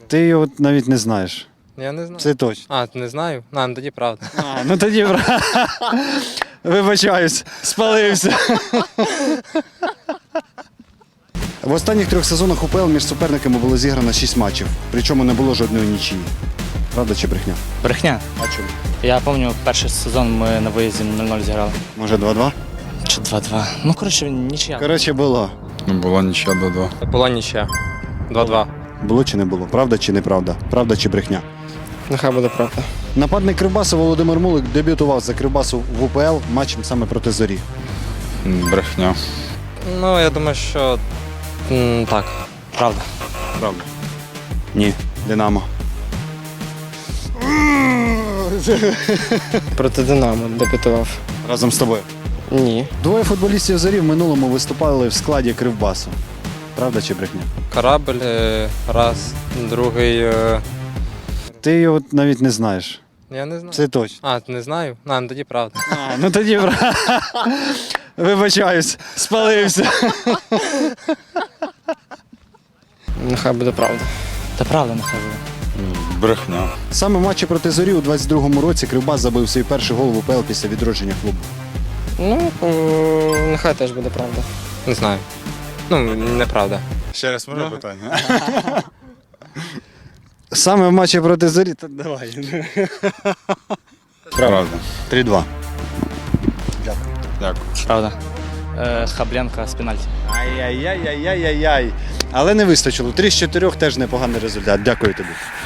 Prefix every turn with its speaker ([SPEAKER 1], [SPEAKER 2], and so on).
[SPEAKER 1] Ти його навіть не знаєш.
[SPEAKER 2] Я не знаю.
[SPEAKER 1] Це точно.
[SPEAKER 2] А, ти не знаю? Ну тоді правда.
[SPEAKER 1] Ну тоді вибачаюсь, спалився. В останніх 3 сезонах УПЛ між суперниками було зіграно 6 матчів, причому не було жодної нічиї. Правда чи брехня?
[SPEAKER 3] Брехня.
[SPEAKER 1] А чому?
[SPEAKER 3] Я пам'ятаю, перший сезон ми на виїзді 0-0 зіграли.
[SPEAKER 1] Може 2-2?
[SPEAKER 3] Чи 2-2. Ну, коротше, нічия.
[SPEAKER 1] Коротше, було.
[SPEAKER 4] Була нічия до 2.
[SPEAKER 2] Була нічия. 2-2.
[SPEAKER 1] Було чи не було? Правда чи неправда? Правда чи брехня?
[SPEAKER 2] Нехай буде правда.
[SPEAKER 1] Нападник Кривбасу Володимир Мулик дебютував за Кривбасу в УПЛ матчем саме проти Зорі.
[SPEAKER 4] Брехня.
[SPEAKER 2] Ну, я думаю, що так.
[SPEAKER 3] Правда.
[SPEAKER 1] Правда. Ні. Динамо.
[SPEAKER 5] Проти Динамо дебютував.
[SPEAKER 1] Разом з тобою.
[SPEAKER 5] Ні.
[SPEAKER 1] Двоє футболістів Зорі в минулому виступали в складі Кривбасу. Правда чи брехня?
[SPEAKER 2] Корабль раз, другий.
[SPEAKER 1] Ти його навіть не знаєш.
[SPEAKER 2] Я не знаю.
[SPEAKER 1] Це точно.
[SPEAKER 2] А, ти не знаю? Ну тоді правда.
[SPEAKER 1] Ну тоді вибачаюсь, спалився.
[SPEAKER 5] Нехай буде правда.
[SPEAKER 3] Та правда, нехай буде.
[SPEAKER 4] Брехня.
[SPEAKER 1] Саме в матчі проти Зорі у 22-му році Кривбас забив свій перший гол в УПЛ після відродження клубу.
[SPEAKER 5] Ну, нехай теж буде правда.
[SPEAKER 2] Не знаю. Ну, неправда.
[SPEAKER 4] Ще раз може питання?
[SPEAKER 1] Саме в матчі проти Зорі. Та давай.
[SPEAKER 4] Правда.
[SPEAKER 1] 3-2.
[SPEAKER 4] Дякую.
[SPEAKER 3] Правда. Хабленка з пенальті.
[SPEAKER 1] Ай-яй-яй-яй-яй-яй. Але не вистачило. 3 з 4 теж непоганий результат. Дякую тобі.